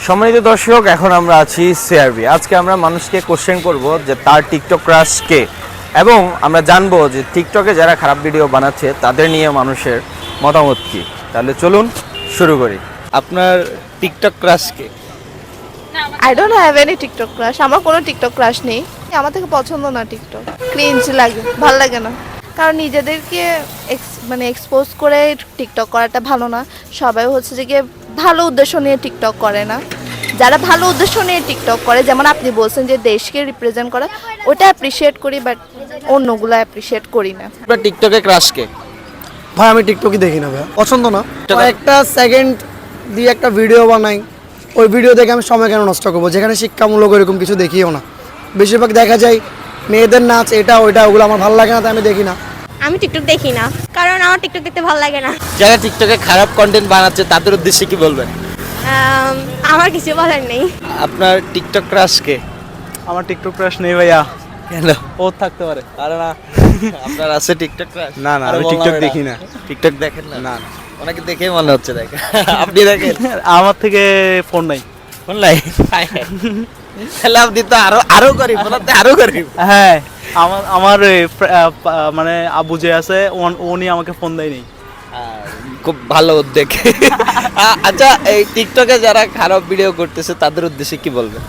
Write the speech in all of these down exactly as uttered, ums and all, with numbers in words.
সম্মানিত দর্শক, এখন আমরা আছি সিআরবি। আজকে আমরা মানুষকে কোশ্চেন করব যে তার টিকটক ক্রাশ কে, এবং আমরা জানবো যে টিকটকে যারা খারাপ ভিডিও বানাচ্ছে তাদের নিয়ে মানুষের মতামত কি। তাহলে চলুন শুরু করি। আপনার টিকটক ক্রাশ কে? I don't have any TikTok crush. আমার কোনো টিকটক ক্রাশ নেই। আমার থেকে পছন্দ না টিকটক, ক্রিঞ্জ লাগে, ভালো লাগে না। কারণ নিজেদেরকে মানে এক্সপোজ করে টিকটক করাটা ভালো না। সবাই হচ্ছে যে গিয়ে ভালো উদ্দেশ্য নিয়ে টিকটক করে না। যারা ভালো উদ্দেশ্য নিয়ে টিকটক করে, যেমন আপনি বলছেন যে দেশকে রিপ্রেজেন্ট করা, ওটা অ্যাপ্রিসিয়েট করি, বাট অন্যগুলো অ্যাপ্রিসিয়েট করি না। আপনার টিকটকে ক্রাশ কে? ভাই আমি টিকটকই দেখি না ভাই, পছন্দ না। একটা সেকেন্ড দিয়ে একটা ভিডিও বানাই, ওই ভিডিও দেখে আমি সময় কেন নষ্ট করবো, যেখানে শিক্ষামূলক এরকম কিছু দেখিও না। বেশিরভাগ দেখা যায় মেয়েদের নাচ, এটা ওইটা, ওগুলো আমার ভালো লাগে না, তাই আমি দেখি না। আমি টিকটক দেখি না, কারণ আমার টিকটক দেখতে ভালো লাগে না। যারা টিকটকে খারাপ কন্টেন্ট বানাচ্ছে তাদের উদ্দেশ্যে কি বলবেন? আম, আমার কিছু বলার নেই। আপনার টিকটক ক্রাশ কে? আমার টিকটক ক্রাশ নেই ভাইয়া। কেন? ও থাকতে পারে, আরে না। আপনার আছে টিকটক ক্রাশ? না না, আমি টিকটক দেখি না। টিকটক দেখেন না? না ওনাকে দেখে মনে হচ্ছে দেখেন। আপনি দেখেন? আমার থেকে ফোন নাই। অনলাইন তাহলে আপনি তো আরো আরো গরিব, ওনাতে আরো গরিব। হ্যাঁ, আমার আমার এই ফ্র- আহ, পা- মানে আব্বু যে আছে ওন- উনি আমাকে ফোন দেয়নি। খুব ভালো উদ্যোগ। আ- আচ্ছা, এই টিকটকে যারা খারাপ ভিডিও করতেছে তাদের উদ্দেশ্যে কি বলবেন?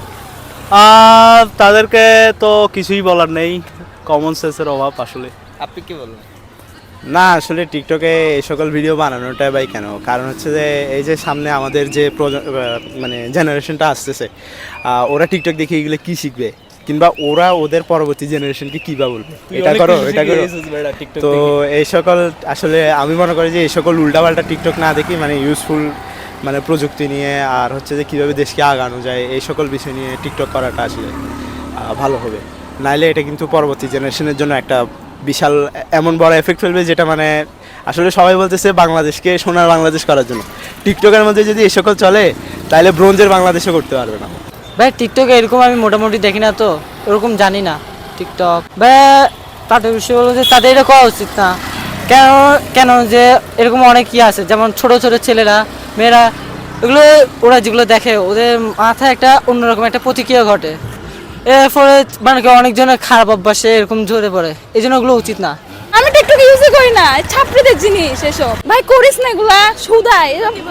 আর তাদেরকে তো কিছুই বলার নেই, কমন সেন্সের অভাব আসলে। আপনি কি বলবেন? না আসলে টিকটকে এই সকল ভিডিও বানানোটাই বাই কেন, কারণ হচ্ছে যে এই যে সামনে আমাদের যে প্রজ- আহ, মানে জেনারেশনটা আসতেছে, আহ, ওরা টিকটক দেখে এগুলো কি শিখবে, কিংবা ওরা ওদের পরবর্তী জেনারেশনকে কী বা বলবে, এটা করো এটা করো। তো এই সকল আসলে আমি মনে করি যে এই সকল উল্টাপাল্টা টিকটক না দেখি, মানে ইউজফুল মানে প্রযুক্তি নিয়ে আর হচ্ছে যে কীভাবে দেশকে আগানো যায় এই সকল বিষয় নিয়ে টিকটক করাটা আসলে আহ, ভালো হবে। নাইলে এটা কিন্তু পরবর্তী জেনারেশনের জন্য একটা বিশাল এমন বড় এফেক্ট ফেলবে, যেটা মানে আসলে সবাই বলতেছে বাংলাদেশকে সোনার বাংলাদেশ করার জন্য। টিকটকের মধ্যে যদি এই সকল চলে তাহলে ব্রোঞ্জের বাংলাদেশও করতে পারবে না। ভাই টিকটকে এরকম আমি মোটামুটি দেখি না, তো ওরকম জানি না টিকটক। ভাই তাদের বিষয় বলবো যে তাদের এটা করা উচিত না। কেন কেন যে এরকম অনেক ইয়ে আছে, যেমন ছোট ছোট ছেলেরা, মেয়েরা, এগুলো ওরা যেগুলো দেখে ওদের মাথায় একটা অন্যরকম একটা প্রতিক্রিয়া ঘটে। এর ফলে মানে কি অনেকজনের খারাপ অভ্যাসে এরকম ঝরে পড়ে, এই জন্য ওগুলো উচিত না। আমি টিকটক ইউজই করি না, ছাত্রীদের জিনিস এসব। ভাই করিস না এগুলা, সুদাই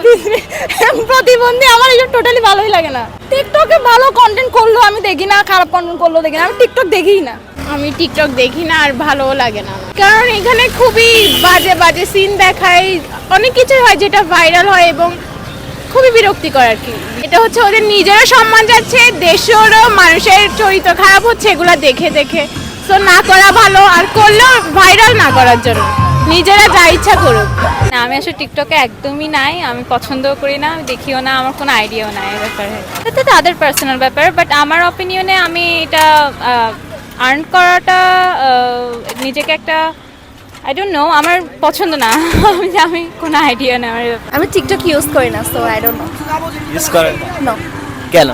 প্রতিবন্ধী, আমার এসব টোটালি ভালোই লাগে না। টিকটকে ভালো কন্টেন্ট করলো আমি দেখি না, খারাপ কন্টেন্ট করলো দেখি না, আমি টিকটক দেখিই না। আমি টিকটক দেখি না, আর ভালোও লাগে না, কারণ এখানে খুবই বাজে বাজে সিন দেখায়, অনেক কিছু হয় যেটা ভাইরাল হয় এবং খুবই বিরক্তিকর আর কি। এটা হচ্ছে ওদের নিজেরও সম্মান যাচ্ছে, দেশেরও মানুষের চরিত্র খারাপ হচ্ছে এগুলা দেখে দেখে। তো না করা ভালো, আর করলেও ভাইরাল না করার জন্য নিজেরা যা ইচ্ছা করুক। না, আমি আসলে টিকটকে একদমই নাই, আমি পছন্দও করি না, আমি দেখিও না, আমার কোনো আইডিয়াও নাই এ ব্যাপারে। এটা তাদের পার্সোনাল ব্যাপার, বাট আমার অপিনিয়নে আমি এটা আর্ন করাটা আহ, নিজেকে একটা আই ডোন্ট নো, আমার পছন্দ না। আমি আমি কোনো আইডিয়া নেই আমার। আমি টিকটক ইউজ করি না, so I don't know. Use করেন না? নো, কেন?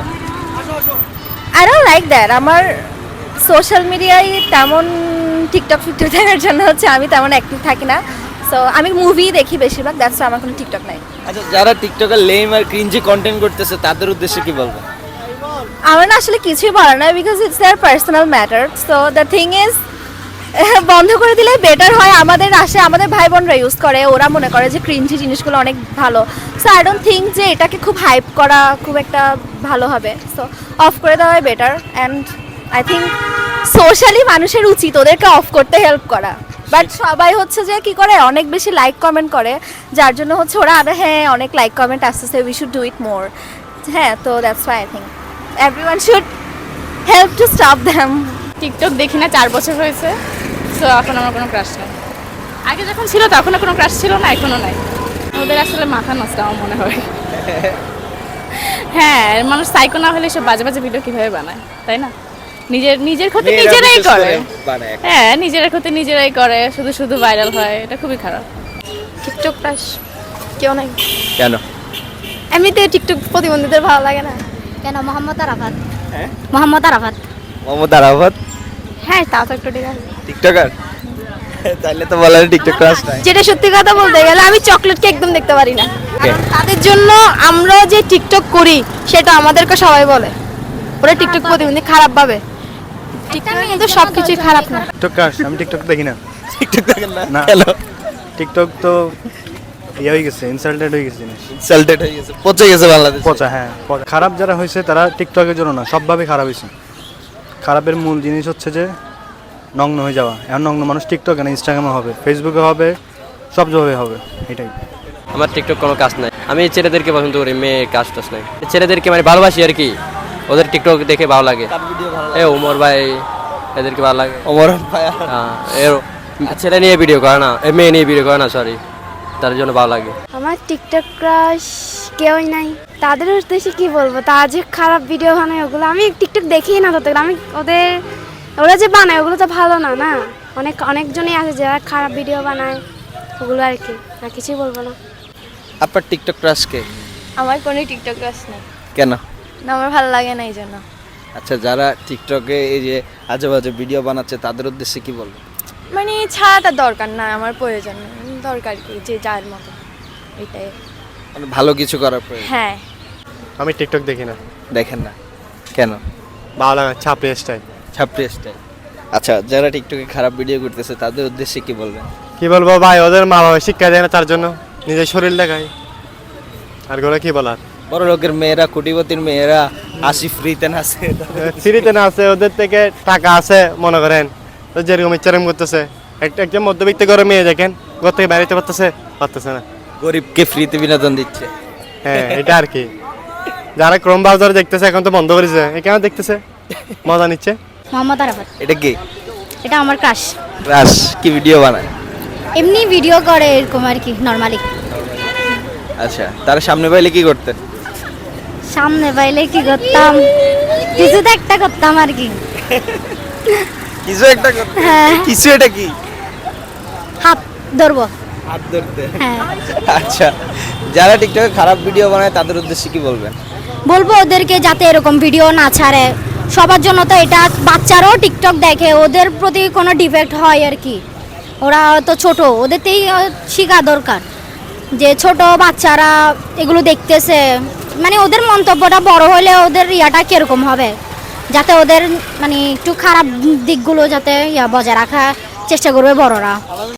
I don't like that. আমার সোশ্যাল মিডিয়ায় তেমন টিকটক ফিকটক দেখার জন্য হচ্ছে আমি তেমন অ্যাক্টিভ থাকি না। সো আমি মুভি দেখি বেশিরভাগ, দ্যাটস আমার কোনো টিকটক নাই। আচ্ছা, যারা টিকটকে লেম আর ক্রিঞ্জি কন্টেন্ট করতেছে তাদের উদ্দেশ্যে কি বলবেন? আমার না আসলে কিছুই বলার না, because it's their personal matter. So the thing is বন্ধ করে দিলে বেটার হয়। আমাদের আসে, আমাদের ভাই বোনরা ইউজ করে, ওরা মনে করে যে ক্রিঞ্জি জিনিসগুলো অনেক ভালো। সো আই ডোন্ট থিঙ্ক যে এটাকে খুব হাইপ করা খুব একটা ভালো হবে। সো অফ করে দেওয়াই better. And I think socially মানুষের উচিত ওদেরকে অফ করতে হেল্প করা। বাট সবাই হচ্ছে যে কি করে, অনেক বেশি লাইক কমেন্ট করে, যার জন্য হচ্ছে ওরা আরে হ্যাঁ অনেক লাইক কমেন্ট আসতেছে, we should do it more. হ্যাঁ, তো that's why I think everyone should help to stop them. TikTok দেখি না, চার বছর হয়েছে, তো এখন আমার কোনো ক্রাশ নেই। আগে যখন ছিল তখনও কোনো ক্রাশ ছিল না, এখনও নাই। ওদের আসলে মাথা নষ্ট আমার মনে হয়। হ্যাঁ, মানুষ সাইকো না হলে সব বাজে বাজে ভিডিও কিভাবে বানায়, তাই না? নিজের নিজের ক্ষতি মেয়েরা নিজেরাই বিশেষ করে। বানায়। হ্যাঁ, নিজের ক্ষতি নিজেরাই করে, শুধু শুধু ভাইরাল হয়, এটা খুবই খারাপ। টিকটক ক্রাশ কেউ নাই। কেন? এমনিতে টিকটক প্রতিবন্ধীদের ভালো লাগে না। কেন? মোহাম্মদ আরাফাত। হ্যাঁ? মোহাম্মদ আরাফাত। মোহাম্মদ আরাফাত হ্যাঁ, তা তো একটু ঠিক আছে। টিকটকার? তাহলে তো বলার টিকটক ক্রাশ নাই। যেটা সত্যি কথা বলতে গেলে আমি চকলেটকে একদম দেখতে পারি না। কারণ তাদের জন্য আমরা যে টিকটক করি সেটা আমাদেরকে সবাই বলে ওরা টিকটক প্রতিবন্ধী খারাপ ভাবে। টিকটকে কিন্তু সবকিছুই খারাপ না। টিকটক ক্রাশ আমি টিকটক দেখি না। টিকটক দেখেন না না। কেন? টিকটক তো ইয়ে হয়ে গেছে, ইনসাল্টেড হয়ে গেছে জিনিস। সেলটেড হয়ে গেছে, পচে গেছে বাংলাদেশ। পচা, হ্যাঁ পচা। খারাপ যারা হয়েছে তারা টিকটকের জন্য না, সবভাবে খারাপ হয়েছে। খারাপের মূল জিনিস হচ্ছে যে নগ্ন হয়ে যাওয়া। এখন নগ্ন মানুষ টিকটকে না, ইনস্টাগ্রামে হবে, ফেসবুকে হবে, সব জায়গায় হবে, এটাই। আমার টিকটক কোনো কাজ নাই, আমি ছেলেদেরকে পছন্দ করি, মেয়ে কাজ টাজ নাই। ছেলেদেরকে মানে ভালোবাসি আর কি, ওদের টিকটক দেখে ভালো লাগে। এ ওমর ভাই এদেরকে ভালো লাগে। ওমর ভাই হ্যাঁ, এর ছেলে নিয়ে ভিডিও করে না, এ মেয়ে নিয়ে ভিডিও করে না, সরি, তার জন্য ভালো লাগে। আমার টিকটক ক্রাশ কেউই নাই। তাদের উদ্দেশ্যে কি বলবো, তারা যে খারাপ ভিডিও বানায় ওগুলো আমি টিকটক দেখি না। তত আমি ওদের ওরা যে বানায় ওগুলো তো ভালো না না। অনেক অনেকজনই আছে যারা খারাপ ভিডিও বানায়, ওগুলো আর কি, আর কিছুই বলবো না। আপনার টিকটক ক্রাশ কে? আমার কোনো টিকটক ক্রাশ নেই, কেন? না আমার ভালো লাগে না এই জন্য। আচ্ছা, যারা টিকটকে এই যে আজে বাজে ভিডিও বানাচ্ছে তাদের উদ্দেশ্যে কি বলবো? মানে ছাড়াটা দরকার না, আমার প্রয়োজন নেই। দরকার কি যে যার মতো, এটাই। মানে ভালো কিছু করার প্রয়োজন। হ্যাঁ, আমি টিকটক দেখি না। দেখেন না কেন? ভালো লাগে, ছাপড়ি স্টাইল। ছাপড়ি স্টাইল। আচ্ছা, যারা টিকটকে খারাপ ভিডিও করতেছে তাদের উদ্দেশ্যে কি বলবেন? কি বলবো ভাই, ওদের মা বাবা শিক্ষা দেয় না, তার জন্য নিজের শরীর দেখায়। আর গোলা কি বলার, বড় লোকের মেয়েরা, কোটিপতির মেয়েরা আসি ফ্রিতে নাচে। সিঁড়িতে না আছে, ওদের থেকে টাকা আছে মনে করেন, তো যেরকম ইচ্ছা এরকম করতেছে। একটা একজন মধ্যবিত্ত করে মেয়ে দেখেন, ঘর থেকে বেরোতে পারতেছে পারতেছে না, গরিবকে ফ্রিতে বিনোদন দিচ্ছে। হ্যাঁ এটা আর কি। যারা ক্রোম ব্রাউজার দেখতেছে এখন তো বন্ধ করেছে, এ কেন দেখতেছে, মজা নিচ্ছে। মোহাম্মদ আরাফাত, এটা কি এটা আমার ক্রাশ। ক্রাশ? কি ভিডিও বানায়? এমনি ভিডিও করে এরকম আর কি, নর্মালি। আচ্ছা, তার সামনে পাইলে কি করতেন? সামনে পাইলে কি করতাম, কিছু তো একটা করতাম আর কি। কিছু একটা করতেন? হ্যাঁ, কিছু, এটা কি? হাত ধরবো। হাত ধরতে? হ্যাঁ, আচ্ছা, যারা টিকটকে খারাপ ভিডিও বানায় তাদের উদ্দেশ্যে কি বলবেন? বলবো ওদেরকে যাতে এরকম ভিডিও না ছাড়ে। সবার জন্য তো এটা, বাচ্চারাও টিকটক দেখে, ওদের প্রতি কোনো ডিফেক্ট হয় আর কি। ওরা তো ছোট, ওদেরতেই শেখা দরকার যে ছোট বাচ্চারা এগুলো দেখতেছে, মানে ওদের মন্তব্যটা বড় হলে ওদের ইয়াটা কিরকম হবে, যাতে ওদের মানে একটু খারাপ দিকগুলো যাতে ইয়া বজায় রাখার চেষ্টা করবে বড়রা।